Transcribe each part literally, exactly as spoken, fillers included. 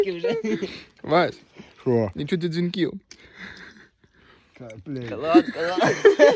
вже. Вась, Що? не чути дзвінків. Та, блядь. Клас, клас.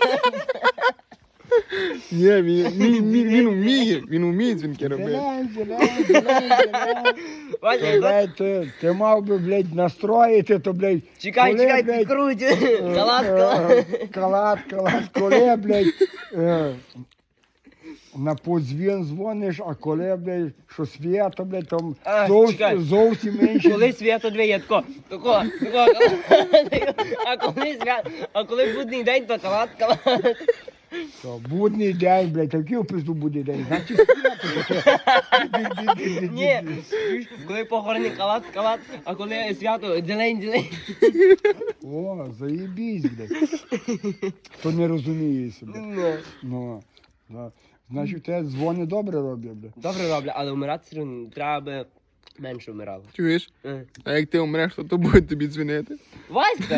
Ні, він, він, він, він вміє, він вміє дзвінки робити. Зелень, зелень, зелень, зелень. Вася, я Блядь, ти, ти мав би, блядь, настроїти, то, блядь, Чекай, коли, чекай, блядь, підкруть. Калат, е, калат. е, Калат, калат, коли, блядь, е, на подзвін дзвониш, а коли, блядь, що свято, блядь, там А, зовсім, чекай. зовсім інші. Коли свято дві, я тако, тако, тако, а коли свято, а коли будний день, то калат, калат. То будний день, блядь, такий в пизду будний день. Значить, свято, то ти- Ні, чуєш, коли похорони калат, калат, а коли свято, зелень, зелень. О, заєбісь, блядь. То не розуміє себе. Ну. Ну, да. Значить, те дзвони добре роблять, блядь. Добре роблю, але вмирати все одно треба би менше вмирало. Чуєш? Е. А як ти умреш, то то буде тобі дзвонити. Васька!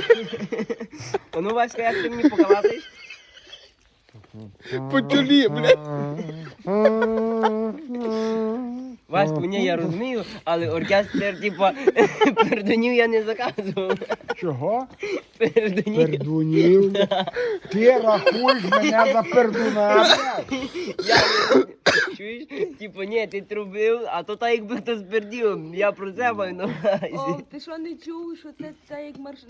А ну, Васька, як ти мені покалатиш? По чолі, блядь. Ваську, ні, я розумію, але оркестр, типа, пердунів я не заказував. Чого? Пердунів. Пердунів. Ти рахуєш мене за пердуна, блядь. Я не... Чуєш? Типу, ні, ти трубив, а то так якби хто спердів. Я про це маю на увазі. О, ти що не чув, що це та як марш...